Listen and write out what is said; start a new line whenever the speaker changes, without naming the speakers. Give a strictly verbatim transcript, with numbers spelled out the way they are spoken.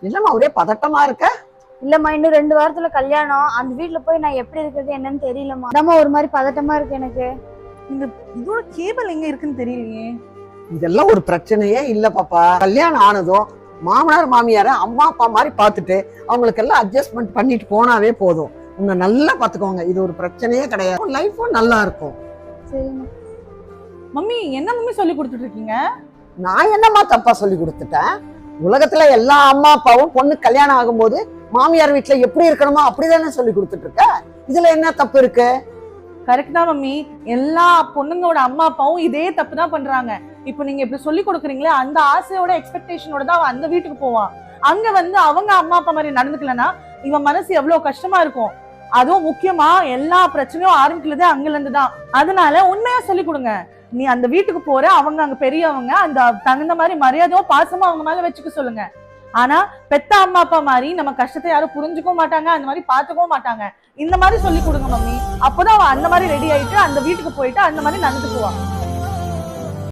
இல்லம்மா ஒரே பதட்டமா இருக்க?
இல்லம்மா இன்னும் ரெண்டு வாரத்துல கல்யாணம். அந்த வீட்டுல போய் நான் எப்படி இருக்கிறது என்னன்னு தெரியலம்மா. அதாம்மா ஒரு மாதிரி பதட்டமா இருக்கு எனக்கு.
இந்த இதோட கேபிள் எங்க இருக்குன்னு தெரியலையே.
இதெல்லாம் ஒரு பிரச்சனையே இல்ல பாப்பா. கல்யாணம் ஆனதும் மாமனார் மாமியார அம்மா அப்பா மாதிரி பார்த்துட்டு அவங்களுக்கு எல்லாம் அட்ஜஸ்ட்மெண்ட் பண்ணிட்டு போனாவே போதும். உங்க நல்லா பாத்துக்கோங்க. இது ஒரு பிரச்சனையே கிடையாது. லைஃபும் நல்லா இருக்கும்.
சரிம்மா.
மம்மி என்ன மம்மி சொல்லி கொடுத்துட்டு இருக்கீங்க?
நான் என்னம்மா தப்பா சொல்லி கொடுத்துட்டேன்? உலகத்துல எல்லா அம்மா அப்பாவும் பொண்ணு கல்யாணம் ஆகும்போது மாமியார் வீட்டுல எப்படி இருக்கணுமோ அப்படிதானே சொல்லி கொடுத்துட்டு இருக்க. இதுல என்ன தப்பு இருக்கு?
கரெக்ட் தான் மம்மி. எல்லா பொண்ணுங்களோட அம்மா அப்பாவும் இதே தப்பு தான் பண்றாங்க. இப்போ நீங்க இப்படி சொல்லி கொடுக்குறீங்களே, அந்த ஆசையோட எக்ஸ்பெக்டேஷனோட தான் அவன் அந்த வீட்டுக்கு போவான். அங்க வந்து அவங்க அம்மா அப்பா மாதிரி நடந்துக்கலன்னா இவன் மனசு எவ்வளவு கஷ்டமா இருக்கும். அதுவும் முக்கியமா எல்லா பிரச்சனையும் ஆரம்பிக்கிறதே அங்கல இருந்து தான். அதனால உண்மையா சொல்லி கொடுங்க. நீ அந்த வீட்டுக்கு போற, அவங்க அங்க பெரியவங்க, அந்த தகுந்த மாதிரி மரியாதையோ பாசமா அவங்க மேல வச்சுக்க சொல்லுங்க. ஆனா பெத்த அம்மா அப்பா மாதிரி நம்ம கஷ்டத்தை யாரும் புரிஞ்சுக்கவும் மாட்டாங்க, அந்த மாதிரி பாத்துக்கவும் மாட்டாங்க. இந்த மாதிரி சொல்லி கொடுங்க மம்மி. அப்போதான் அவன் அந்த மாதிரி ரெடி ஆயிட்டு அந்த வீட்டுக்கு போயிட்டு அந்த மாதிரி நடந்துக்குவான்.